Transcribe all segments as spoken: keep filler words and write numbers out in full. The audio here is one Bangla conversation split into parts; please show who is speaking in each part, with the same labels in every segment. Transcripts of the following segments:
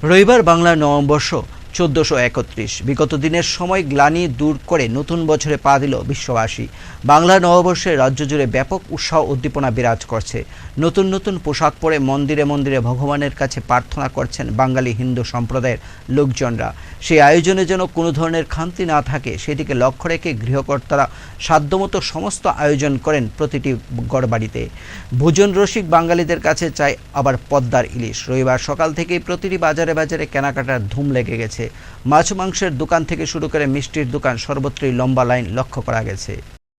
Speaker 1: রবিবার বাংলার নববর্ষ চোদ্দশো একত্রিশ। বিগত দিনের সময় গ্লানি দূর করে নতুন বছরে পা দিল বিশ্ববাসী। বাংলা নববর্ষে রাজ্য জুড়ে ব্যাপক উৎসাহ উদ্দীপনা বিরাজ করছে। নতুন নতুন পোশাক পরে মন্দিরে মন্দিরে ভগবানের কাছে প্রার্থনা করছেন বাঙালি হিন্দু সম্প্রদায়ের লোকজনরা। সেই আয়োজনে যেন কোনো ধরনের খামতি না থাকে সেদিকে লক্ষ্য রেখে গৃহকর্তারা সাধ্যমতো সমস্ত আয়োজন করেন প্রতিটি গড়বাড়িতে। ভোজন রসিক বাঙালিদের কাছে চাই আবার পদ্মার ইলিশ। রবিবার সকাল থেকেই প্রতিটি বাজারে বাজারে কেনাকাটার ধুম লেগে গেছে। মাছ মাংসের দোকান থেকে শুরু করে মিষ্টির দোকান সর্বত্রই লম্বা লাইন লক্ষ্য করা গেছে।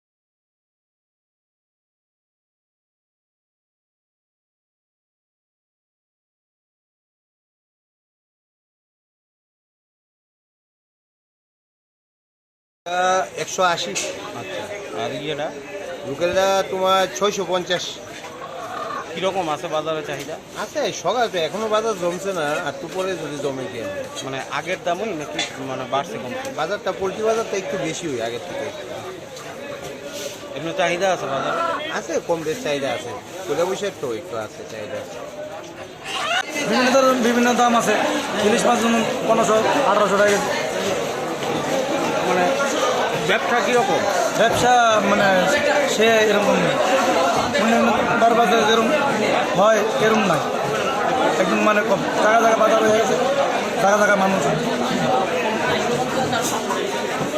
Speaker 2: একশো আশি।
Speaker 3: আচ্ছা, আর ইয়েটা
Speaker 2: লোকেলটা তোমার ছয়শো পঞ্চাশ।
Speaker 3: কীরকম আছে বাজারে চাহিদা?
Speaker 2: আছে সকাল তো এখনো বাজার জমছে না, আর তো পরে যদি জমে কি হবে।
Speaker 3: মানে আগের দামই নাকি মানে বাড়ছে কমছে?
Speaker 2: বাজারটা পোলট্রি বাজারটা একটু বেশি হয় আগের থেকে।
Speaker 3: এমনি চাহিদা আছে বাজারে?
Speaker 2: আছে কম বেশ চাহিদা আছে, তোলা বৈশাখ তো একটু আছে চাহিদা।
Speaker 4: বিভিন্ন ধরনের বিভিন্ন দাম আছে। ইলিশ মাছ যেমন পনেরোশো আঠারোশো টাকা কেজি।
Speaker 3: মানে ব্যবসা কীরকম?
Speaker 4: ব্যবসা মানে সে এরকম নেই, মানে তার বাজারে যেরকম হয় এরকম নাই, একদম মানে কম। জায়গা জায়গা বাজার হয়ে গেছে, জায়গা জায়গা মানুষ।